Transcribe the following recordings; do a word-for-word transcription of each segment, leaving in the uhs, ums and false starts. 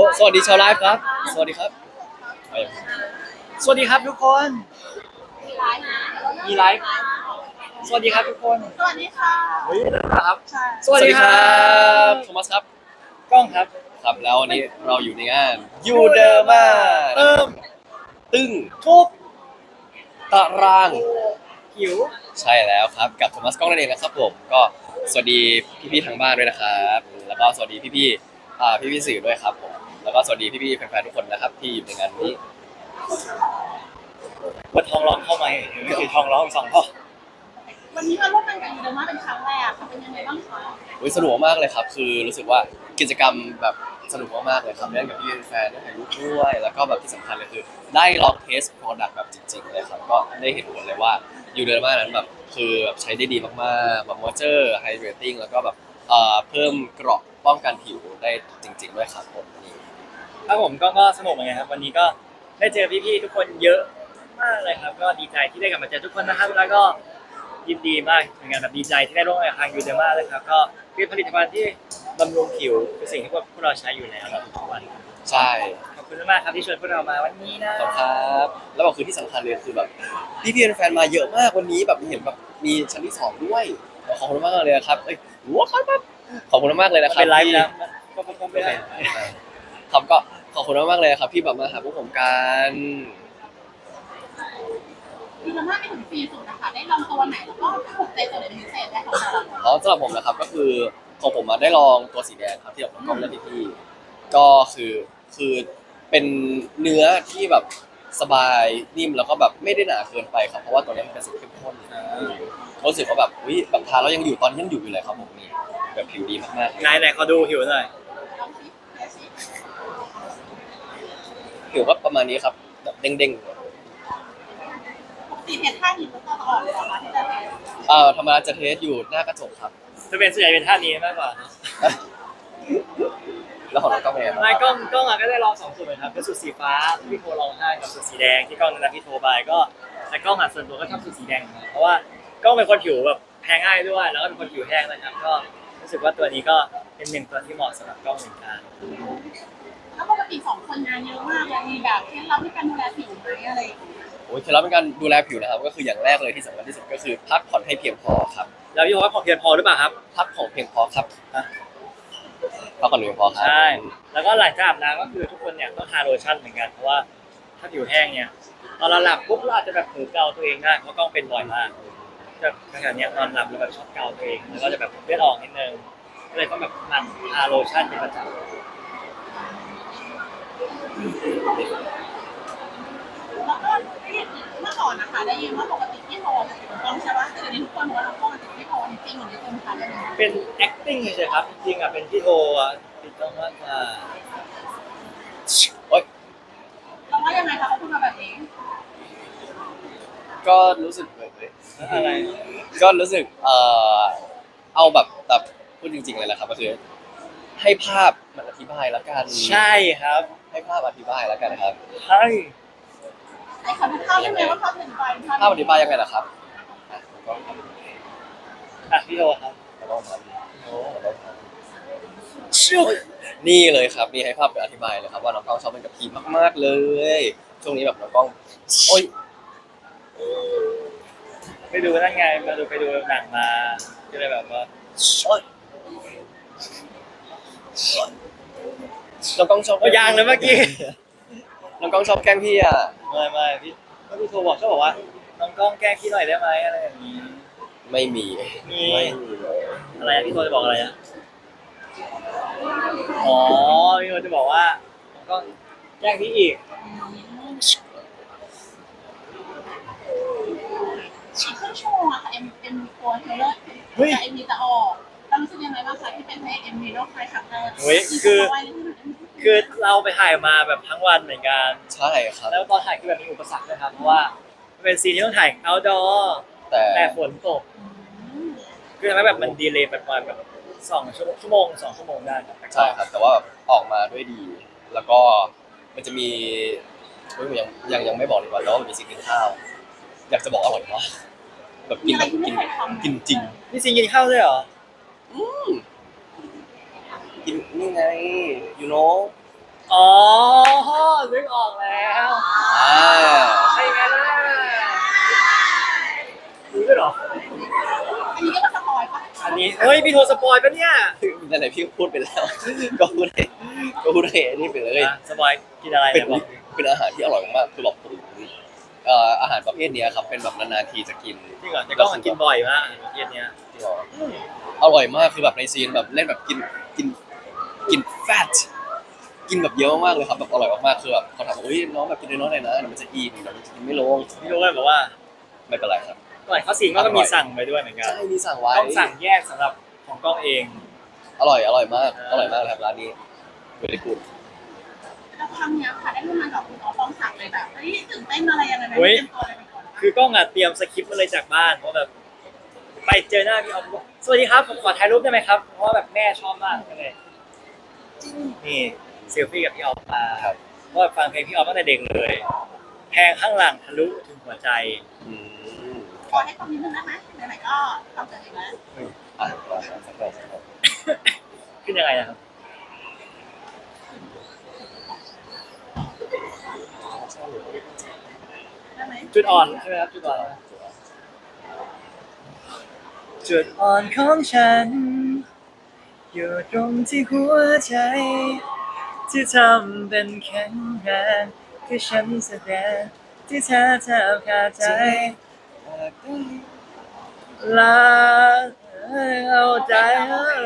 สวัสดีชาวไลฟ์ครับสวัสดีครับสวัสดีครับทุกคนมีไลฟ์สวัสดีครับทุกคนสวัสดีค่ะเฮ้ยนะครับสวัสดีครับโทมัสครับกล้องครับครับแล้ววันนี้เราอยู่ในงานยูเดอร์มาเติมตึ้งทุบตารางหิวใช่แล้วครับกับโทมัสกล้องนั่นเองนะครับผมก็สวัสดีพี่ๆทางบ้านด้วยนะครับแล้วก็สวัสดีพี่ๆอ่าพี่ๆสื่อด้วยครับผมแล้วก็สวัสดีพี่ๆแฟนๆทุกคนนะครับที่อยู่ในงานนี้ว่าทองร้องเข้าไหมไม่ใช่ทองร้องสองท่อวันนี้มาร่วมงานกับยูเดอร์มาเป็นครั้งแรกค่ะเป็นยังไงบ้างคะอุ๊ยสนุกมากเลยครับคือรู้สึกว่ากิจกรรมแบบสนุกมากๆเลยครับเล่นกับพี่แฟนได้ถ่ายรูปด้วยแล้วก็แบบที่สำคัญเลยคือได้ลองเทสโปรดักต์แบบจริงๆเลยครับก็ได้เห็นผลเลยว่ายูเดอร์มานั้นแบบคือแบบใช้ได้ดีมากๆแบบมอยเจอร์ไฮเดรตติ้งแล้วก็แบบเอ่อเพิ่มเกราะป้องกันผิวได้จริงๆด้วยครับผมนี่ครับผมก็ก็สนุกเหมือนกันครับวันนี้ก็ได้เจอพี่ๆทุกคนเยอะมากเลยครับก็ดีใจที่ได้กลับมาเจอทุกคนนะครับแล้วก็ยินดีมากเหมือนกันแบบดีใจที่ได้ร่วมงานกับทางยูเดอร์มาเลยครับก็เป็นผลิตภัณฑ์ที่บำรุงผิวเป็นสิ่งที่พวกเราใช้อยู่แล้วทุกวันใช่ขอบคุณมากครับที่ชวนพวกเรามาวันนี้นะขอบคุณครับแล้วก็คือที่สำคัญเลยคือแบบพี่ๆแฟนๆมาเยอะมากวันนี้แบบเห็นแบบมีชั้นที่สองด้วยขอบคุณมากเลยครับเอ้ยว้าวขอบคุณมากเลยนะครับเป็นไลฟ์นะก็คงไม่ได้ครับก็ขอบคุณมากๆเลยครับที่แบบมาหาพวกผมกันยูเดอร์มาไปถึงปีสุดนะคะได้ลองตัวไหนแล้วก็ถูกใจตัวไหนเป็นพิเศษได้ของเราอ๋อสำหรับผมนะครับก็คือของผมมาได้ลองตัวสีแดงครับที่แบบน้องกล้องและพี่ๆก็คือคือเป็นเนื้อที่แบบสบายนิ่มแล้วก็แบบไม่ได้หนาเกินไปครับเพราะว่าตัวนี้มันเป็นสีเข้มข้นรู้สึกว่าแบบอุ้ยแบบทาแล้วยังอยู่ตอนนี้ยังอยู่อยู่เลยครับผมนี่แบบผิวดีมากๆไหนไหนขอดูผิวหน่อยลองชิมเดี๋ยวชิมผิวก็ประมาณนี้ครับแบบเด้งๆปกติเห็นท่านี้มันก็ออกเลยเหรอคะที่จะเห็นเอ่อธรรมดาจะเทสอยู่หน้ากระจกครับจะเป็นส่วนใหญ่เป็นท่านี้มากกว่าแล้วของน้องก็เป็นไงบ้างไม่กล้องกล้องอะก็ได้ลองสองสูตรเหมือนกันเป็นสูตรสีฟ้าที่พี่โทรลองให้กับสูตรสีแดงที่กล้องนั้นพี่โทรไปก็แต่กล้องอะส่วนตัวก็ชอบสูตรสีแดงเพราะว่ากล้องเป็นคนผิวแบบแพ้ง่ายด้วยแล้วก็เป็นคนผิวแห้งนะครับก็รู้สึกว่าตัวนี้ก็เป็นหนึ่งตัวที่เหมาะสำหรับกล้องเหมือนกันแล้วปกติสองคนงานเยอะมากเลยมีแบบเคล็ดลับในการดูแลผิวไหมอะไรอย่างเงี้ยโอ้ยเคล็ดลับในการดูแลผิวนะครับก็คืออย่างแรกเลยที่สำคัญที่สุดก็คือพักผ่อนให้เพียงพอครับแล้วพี่โทรว่าพอเพียงพอหรือเปล่าครับพักผ่อนเพียงพอครับพักผ่อนเพียงพอครับใช่แล้วก็หลังจากอาบน้ำก็คือทุกคนเนี่ยต้องทาโลชั่นเหมือนกันเพราะว่าถ้าผิวแห้งเนี่ยตอนเราหลับปุ๊บเราอาจจะแบบเผลอเกาตัวเองได้เพราะกล้องเป็นบ่อยมากแบบขณะนี้นอนหลับแล้วแบบชอบเกาตัวเองแล้วก็จะแบบเลือดออกนิดนึงก็เลยต้องแบบหมั่นทาโลชั่นเป็นประจำแล้วก็เมื่อก่อนนะคะได้ยินว่าปกติที่โทรจะถูกต้องใช่ไหมแต่เดี๋ยวนี้ทุกคนบอกว่าเราต้องติดที่โทรจริงๆหรือจริงค่ะได้ไหมเป็น acting เฉยๆครับจริงๆอ่ะเป็นพี่โทอ่ะติดต้องมากกว่าโอ๊ยเราว่ายังไงคะเขาพูดมาแบบนี้ก็รู้สึกเลยอะไรก็รู้สึกเอ่อเอาแบบแบบพูดจริงๆเลยนะครับก็คือให้ภาพมันอธิบายแล้วกันใช่ครับให้ภาพอธิบายแล้วกันครับใช่ไอ้คำพูดยังไงว่าเขาเป็นไปภาพอธิบายยังไงล่ะครับอ่ะก็อ่ะพี่โทครับเราต้องทำโอ้เราต้องทำนี่เลยครับนี่ให้ภาพเป็นอธิบายเลยครับว่าน้องกล้องชอบเป็นกับพีมากๆเลยช่วงนี้แบบน้องกล้องโอ๊ยไปดูนั่นไงมาดูไปดูหนังมาก็เลยแบบว่าน้องกล้องชอบยางเลยเมื่อกี้น้องกล้องชอบแกล้งพี่อ่ะไม่ไม่พี่พี่โทรบอกชอบบอกว่าน้องกล้องแกล้งพี่หน่อยได้ไหมอะไรอย่างนี้ไม่มีมีอะไรพี่โทรจะบอกอะไรอ่ะอ๋อพี่โทรจะบอกว่าน้องกล้องแกล้งพี่อีกอีกครึ่งชั่วโมงอะค่ะเอ็มเอ็มตัวเทเลอร์แต่เอ็มมีจะออกเรารู้สึกยังไงบ้างคะที่เป็นเพลงเอ็มมีโลกไฟครั้งแรกเฮ้ยคือคือเราไปถ่ายมาแบบทั้งวันเหมือนกันใช่ครับแล้วตอนถ่ายคือแบบมีอุปสรรคด้วยครับเพราะว่าเป็นซีนที่ต้องถ่าย outdoor แต่แต่ฝนตกคือทำให้แบบมันดีเลย์ประมาณแบบสองชั่วโมงสองชั่วโมงได้ครับใช่ครับแต่ว่าออกมาด้วยดีแล้วก็มันจะมียังยังยังไม่บอกเลยว่าแต่ว่ามันมีซีนกินข้าวอยากจะบอกอร่อยมากแบบกินแบบกินกินจริงนี่ซีนกินข้าวด้วยเหรออืมกินนี่ไง you know อ๋อนึกออกแล้วอ่าใช่ไหมล่ะรู้ด้วยเหรออันนี้ก็มาสปอยปะอันนี้เฮ้ยพี่โทรสปอยปะเนี่ยนั่นแหละพี่พูดไปแล้ว ก็พูดให้ก็พูดให้อันนี่ไปเลยอ่ะสปอยกินอะไรเป็นเนี่ยบอกเป็นอาหารที่อร่อยมากๆคือแบบผมเอ่ออาหารประเภทเนี้ยครับเป็นแบบนานๆทีจะกินจริงเหรอแต่ก็มันกินบ่อยมากเย็นเนี้ยจริงเหรออร่อยมากคือแบบในซีนแบบเล่นแบบกินกินกินแฟตกินแบบเยอะมากเลยครับแบบอร่อยมากๆคือแบบเขาถามว่าเฮ้ยน้องแบบกินน้อยๆหน่อยนะเดี๋ยวมันจะอิ่มเดี๋ยวมันจะกินไม่ลงพี่โทรก็เลยบอกว่าไม่เป็นไรครับก่อนเขาสิงก็มีสั่งไปด้วยเหมือนกันใช่มีสั่งไว้ต้องสั่งแยกสำหรับของกล้องเองอร่อยอร่อยมากอร่อยมากเลยครับร้านนี้เวลิกูดแล้วครั้งเนี้ยค่ะได้ร่วมงานกับคุณอ๋อฟองศักดิ์เลยแบบเฮ้ยตื่นเต้นอะไรยังไงไหมเฮ้ยเตรียมตัวอะไรไปก่อนคือกล้องอ่ะเตรียมสคริปต์มาเลยจากบ้านเพราะแบบไปเจอหน้าพี่ออฟบอกสวัสดีครับผมขอถ่ายรูปได้ไหมครับเพราะว่าแบบแม่ชอบมากเลยนี่เซลฟี่กับพี่ออฟมาครับเพราะว่าฟังเพลงพี่ออฟตั้งแต่เด็กเลยแทงข้างหลังทะลุถึงหัวใจอืมขอให้ความนิดนึงได้ไหมไหนๆก็ทำเสร็จแล้วอ่ะมาสักหน่อยสักหน่อยขึ้นยังไงนะครับได้ไหมจุดอ่อนใช่ไหมครับจุดอ่อนจุดอ่อนของฉัน อยู่ตรงที่หัวใจ ที่ทำเป็นแข็งแรงคือฉันแสดงที่เธอเธอขาดใจลาเอาใจเออ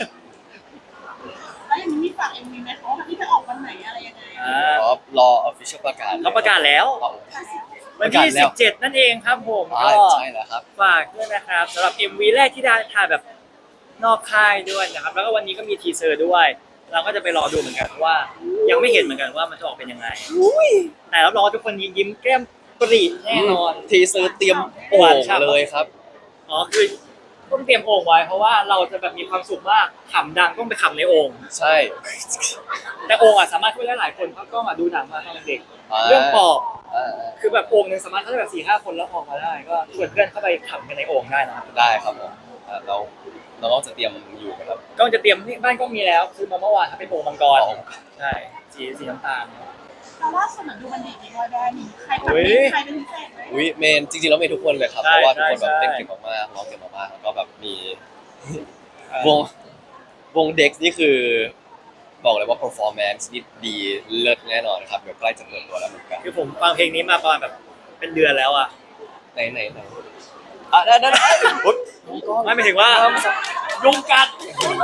แล้วยังมีฝากเอ็มวีไหมคะว่าที่จะออกวันไหนอะไรยังไงอ่าอ๋อรอ official ประกาศเขาประกาศแล้วเอาวันที่สิบเจ็ดนั่นเองครับผมอ่าก็ใช่แล้วครับฝากด้วยนะครับสำหรับ เอ็ม วี แรกที่ได้ถ่ายแบบนอกค่ายด้วยนะครับ แล้วก็วันนี้ก็มีทีเซอร์ด้วย เราก็จะไปรอดูเหมือนกันเพราะว่า ยังไม่เห็นเหมือนกันว่ามันจะออกเป็นยังไงแต่รับรองว่าทุกคนยิ้มแก้มปรีแน่นอนทีเซอร์เตรียมโอ่งเลยครับอ๋อคือต้องเตรียมโอ่งไว้เพราะว่าเราจะแบบมีความสุขมากขำดังต้องไปขำในโอ่งใช่แต่โอ่งอ่ะสามารถช่วยได้หลายคนเพราะก็มาดูหนังมาตอนเด็กาเรื่องปอบอ่าคือแบบโอ่งหนึ่งสามารถเข้าได้แบบสี่ห้าคนแล้วออกมาได้ ก็ชวนเพื่อนเข้าไปขำกันในโอ่งได้นะครับได้ครับผมอ่าเราเราก็จะเตรียมอยู่นะครับก็จะเตรียมนี่บ้านก็มีแล้วซื้อมาเมื่อวานครับเป็นโอ่งมังกรอ๋อใช่สีสีน้ำตาลแต่ว่าส่วนหนึ่งดูมันดีมีบอยแบนด์มีใครเฮ้ยใครเป็นพิเศษไหมวิเมนจริงๆแล้วเมนทุกคนเลยครับใช่เพราะว่าทุกคนแบบใช่เต้นเก่งมากๆร้องเก่งมากๆแล้วก็แบบมี วงวงเด็กนี่คือ บอกเลยว่า performance นี่ดีเลิศแน่นอนครับเดี๋ยวใกล้จะเปิดตัวแล้วเหมือนกันคือผมฟังเพลงนี้มาประมาณแบบเป็นเดือนแล้วอ่ะไหนไหนไหนอ่ะได้ได้ได้อุ๊ยไม่หมายถึงว่ายุงกัด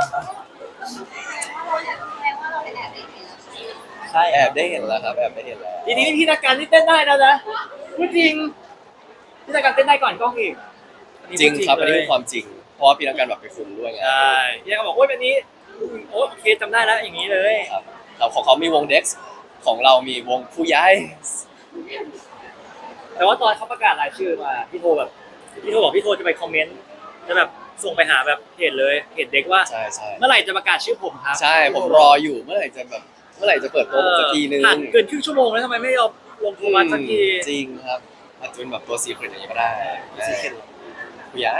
ใช่แอบได้เห็นแล้วครับแอบได้เห็นแล้วทีนี้พี่นักการที่เต้นได้แล้วนะพูดจริงพี่นักการเต้นได้ก่อนกล้องอีกอันนี้จริงพูดครับอันนี้เลยคือความจริง เพราะว่าพี่นักการแบบไปคุมด้วยไงใช่พี่นักการบอกโอ้ยแบบนี้โอ้โอเคจำได้แล้วอย่างนี้เลยครับครับของเขามีวงเด็กของเรามีวงผู้ย้ายแต่ว่าตอนเขาประกาศรายชื่อมาพี่โทแบบพี่โทบอกพี่โทจะไปคอมเมนต์จะแบบส่งไปหาแบบเพจเลยเพจเด็กว่าใช่ใช่เมื่อไหร่จะประกาศชื่อผมครับใช่ผมรออยู่เมื่อไหร่จะแบบเมื่อไหร่จะเปิดตัวผมสักทีนึงผ่านเกินครึ่งชั่วโมงแล้วทำไมไม่ยอมลงโทรมาสักทีจริงครับอาจจะเป็นแบบตัวซีเครตอย่างนี้ก็ได้ซีเคร็ตผู้ย้าย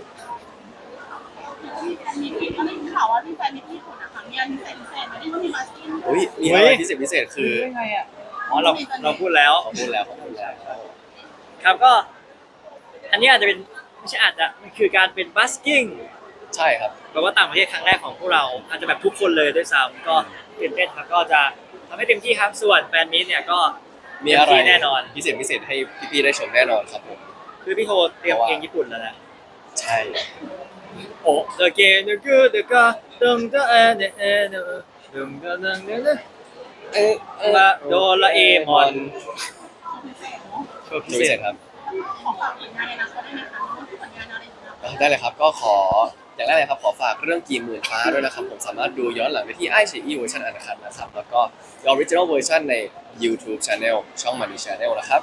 มีแฟนมีที่เขาได้ข่าวว่ามีแฟนมีที่ญี่ปุ่นอะค่ะมีอันพิเศษพิเศษไหมที่ว่ามีมาสกิ้งอุ้ยมีอะไรพิเศษพิเศษคือได้ไงอ่ะอ๋อเราเราพูดแล้วเขาพูดแล้วเขาพูดแล้วครับก็ อันนี้อาจจะเป็นไม่ใช่อาจจะมันคือการเป็นบัสกิ้งใช่ครับแปลว่าต่างประเทศครั้งแรกของพวกเราอาจจะแบบทุกคนเลยด้วยซ้ำก็ตื่นเต้นครับก็จะทำให้เต็มที่ครับส่วนแฟนมิตเนี่ยก็มีอะไรเต็ที่แน่นอนพิเศษพิเศษให้พี่ๆได้ชมแน่นอนครับผมคือพี่โทเตรียมเพลงญี่ปุ่นแล้วนะใช่โอ้เดอะเกนเดอะกูเดอะกาดึงเดอะเอเดเอเดดึงเดอะดึงเดอะเอ๊ะมาโดราเอมอนพิเศษเนาะโชว์พิพิเศเศษขษครับอฝากผลงานในอนาคตได้ไหมคะมีผลงานอะไรอยู่นะได้เลยครับก็ขออย่างแรกเลยครับขอฝากเรื่องกีหมื่นฟ้าด้วยนะครับผมสามารถดูย้อนหลังได้ที่ไอชีอีเวอร์ชันอันคัดนะครับแล้วก็ออริจินอลเวอร์ชันใน YouTube Channel ช่องมันดีชาแนลนะครับ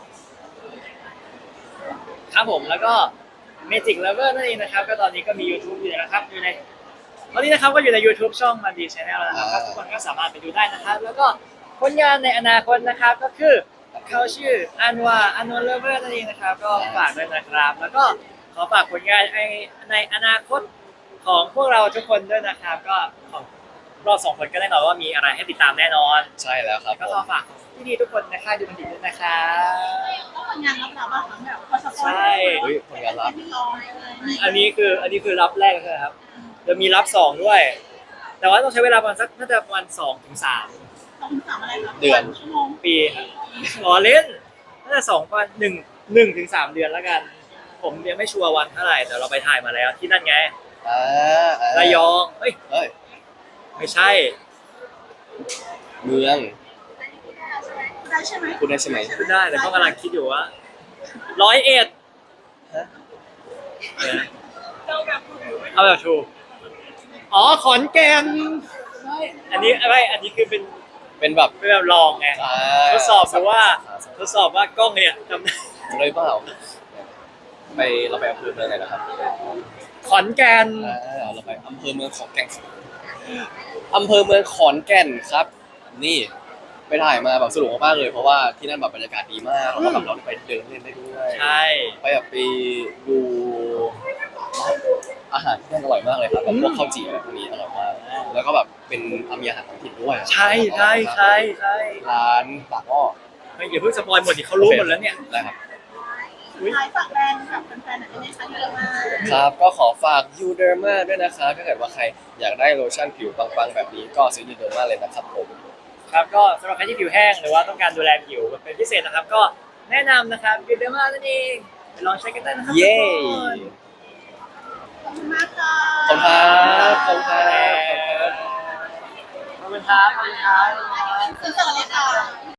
ครับผมแล้วก็ Magic Lover นั่นเองนะครับก็ตอนนี้ก็มี YouTube อยู่นะครับอยู่ในตอนนี้นะครับก็อยู่ใน YouTube ช่องมันดีชาแนลแล้วนะครับทุกคนก็สามารถไปดูได้นะครับ แล้วก็ผลงานในอนาคตนะครับก็คือเขาชื่ออันวาอันวาเลเวอร์นั่นเองนะครับก็ฝากด้วยนะครับ แล้วก็ขอฝากผลงานในในอนาคตของพวกเราทุกคนด้วยนะครับ ก็ขอบเราสองคนก็แน่นอนว่ามีอะไรให้ติดตามแน่นอนใช่แล้วครับก็ผขอมฝากพี่ดีทุกคนนะคะดูมันดีด้วยนะคะแล้วผลงานรับเราบ้างคะแบบพอสปอยใช่เฮ้ยผลงานลับที่รอเลยอันนี้คืออันนี้คือรับแรกใช่ไหมครับจะมีรับสองด้วย แต่ว่าต้องใช้เวลาประมาณสักน่าจะประมาณสองถึงสามสองสามอะไรครับเดือนชั่วโมงปีครับรอเล่นน่าจะสองวันหนึ่งหนึ่งถึงสามเดือนแล้วกัน ผมยังไม่ชัวร์วันเท่าไหร่แต่เราไปถ่ายมาแล้วที่นั่นไงอ่าอ่าระยองเฮ้ยเฮ้ยไม่ใช่เมืองได้ใช่ไหมพูดได้ใช่ไหมพูดได้แต่ก็กำลังคิดอยู่ว่าร้อยเอ็ดฮะเอาแบบถูกอ๋อขอนแก่นอันนี้ไม่อันนี้คือเป็นเป็นแบบเป็นแบบลองไงอ่าทดสอบดูว่าทดสอบว่ากล้องเนี่ยทำได้เลยเปล่าไปเราไปอำเภอเมืองไหนนะครับขอนแก่นอ่าเราไปอำเภอเมืองขอนแก่นอำเภอเมืองขอนแก่นครับ นี่ไปถ่ายมาแบบสนุกมากๆเลย เพราะว่าที่นั่นแบบบรรยากาศดีมากแล้วก็แบบเราได้ไปเดินเล่นได้ด้วยใช่ไปแบบไปดูอาหารที่นั่นอร่อยมากเลยครับแบบพวกข้าวจี่อะไรพวกนี้อร่อยมาก แล้วก็แบบเป็นมีอาหารท้องถิ่นด้วยใช่ใช่ใช่ใช่ร้านปากหม้อไม่อย่าเพิ่งสปอยหมดดิเขารู้หมดแล้วเนี่ยได้ครับท้ายฝากแรงกับแฟนๆหน่อยได้ไหมคะเยอะมากครับก็ขอฝากยูเดอร์มาด้วยนะครับถ้าเกิดว่าใครอยากได้โลชั่นผิวปังๆแบบนี้ก็ซื้อยูเดอร์มาเลยนะครับผมครับก็สำหรับใครที่ผิวแห้งหรือว่าต้องการดูแลผิวเป็นพิเศษนะครับ ก็แนะนำนะครับยูเดอร์มานั่นเองไปลองใช้กันได้นะครับเย้ขอบคุณมากค่ะขอบคุณครับขอบคุณครับขอบคุณครับขอบคุณครับคือสวัสดีค่ะ